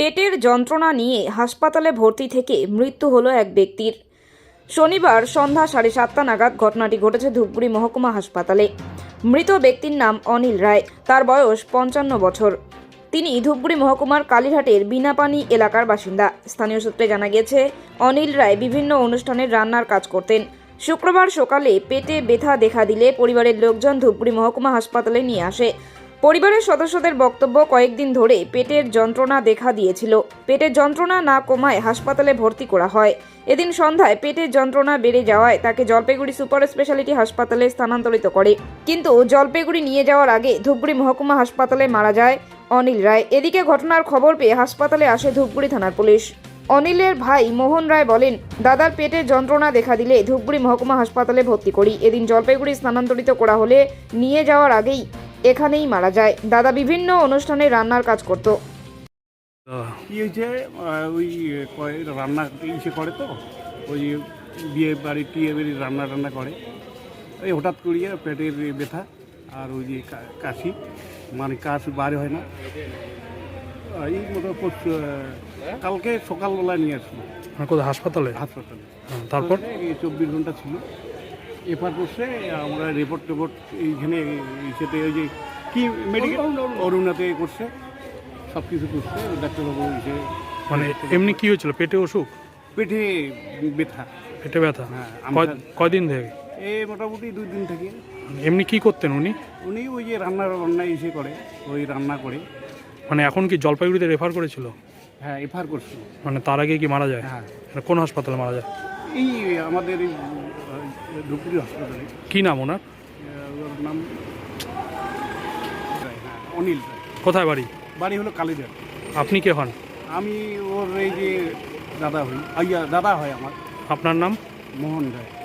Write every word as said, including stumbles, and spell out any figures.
পেটের যন্ত্রণা নিয়ে হাসপাতালে ভর্তি থেকে মৃত্যু হলো এক ব্যক্তির। শনিবার সন্ধ্যা সাড়ে সাতটা নাগাদ ঘটনাটি ঘটেছে ধূপগুড়ি মহকুমা হাসপাতালে। মৃত ব্যক্তির নাম অনিল রায়, তার বয়স পঞ্চান্ন বছর। তিনি ধূপগুড়ি মহকুমার কালীঘাটের বিনাপানি এলাকার বাসিন্দা। স্থানীয় সূত্রে জানা গেছে, অনিল রায় বিভিন্ন অনুষ্ঠানের রান্নার কাজ করতেন। শুক্রবার সকালে পেটে ব্যথা দেখা দিলে পরিবারের লোকজন ধূপগুড়ি মহকুমা হাসপাতালে নিয়ে আসে। পরিবারের সদস্যদের বক্তব্য, কয়েকদিন ধরে পেটের যন্ত্রণা দেখা দিয়েছিল। পেটের যন্ত্রণা না কমায় হাসপাতালে ভর্তি করা হয়। এদিন সন্ধ্যায় পেটের যন্ত্রণা বেড়ে যাওয়ায় তাকে জলপাইগুড়ি সুপার স্পেশালিটি হাসপাতালে স্থানান্তরিত করে, কিন্তু জলপাইগুড়ি নিয়ে যাওয়ার আগে ধূপগুড়ি মহকুমা হাসপাতালে মারা যায় অনিল রায়। এদিকে ঘটনার খবর পেয়ে হাসপাতালে আসে ধূপগুড়ি থানার পুলিশ। অনিলের ভাই মোহন রায় বলেন, দাদার পেটের যন্ত্রণা দেখা দিলে ধূপগুড়ি মহকুমা হাসপাতালে ভর্তি করি। এদিন জলপাইগুড়ি স্থানান্তরিত করা হলে নিয়ে যাওয়ার আগেই এখানেই মারা যায়। দাদা বিভিন্ন অনুষ্ঠানে রান্নার কাজ করত। কি হয়েছে, ওই রান্না ইসে করে তো, ওই বিয়ে বাড়ি টিয়ে বাড়ি রান্না টান্না করে। এই হঠাৎ করিয়ে পেটের ব্যথা আর ওই যে কাশি, মানে কাশ বার হয় না। এই মতো কালকে সকালবেলা নিয়ে আসলো কোথায়? হাসপাতালে? হাসপাতালে। তারপর চব্বিশ ঘন্টা ছিল। এরপর করছে আমরা রিপোর্ট টিপোর্ট এইখানে সেতে ওই যে কি মেডিকেল অরুণাতে করছে, সব কিছু করছে ডাক্তারবাবু এসে। মানে এমনি কি হয়েছিল? পেটে অসুখ? পেটে ব্যথা। পেটে ব্যথা? হ্যাঁ। কয়দিন থেকে? এই মোটামুটি দুই দিন থেকে। এমনি কি করতেন উনি? উনি ওই যে রান্না রান্না এসে করে, ওই রান্না করে। মানে এখন কি জলপাইগুড়িতে রেফার করেছিল? হ্যাঁ, এফআর করছে। মানে তার আগে কি মারা যায়? হ্যাঁ। মানে কোন হাসপাতালে মারা যায়? এই আমাদের এই ধূপগুড়ি হাসপাতালে। কি নাম ওনার? ওর নাম হ্যাঁ অনিল রায়। কোথায় বাড়ি? বাড়ি হলো কালীঘাট। আপনি কে হন? আমি ওর এই যে দাদা হই, আইয়া দাদা হয় আমার। আপনার নাম? মোহন রায়।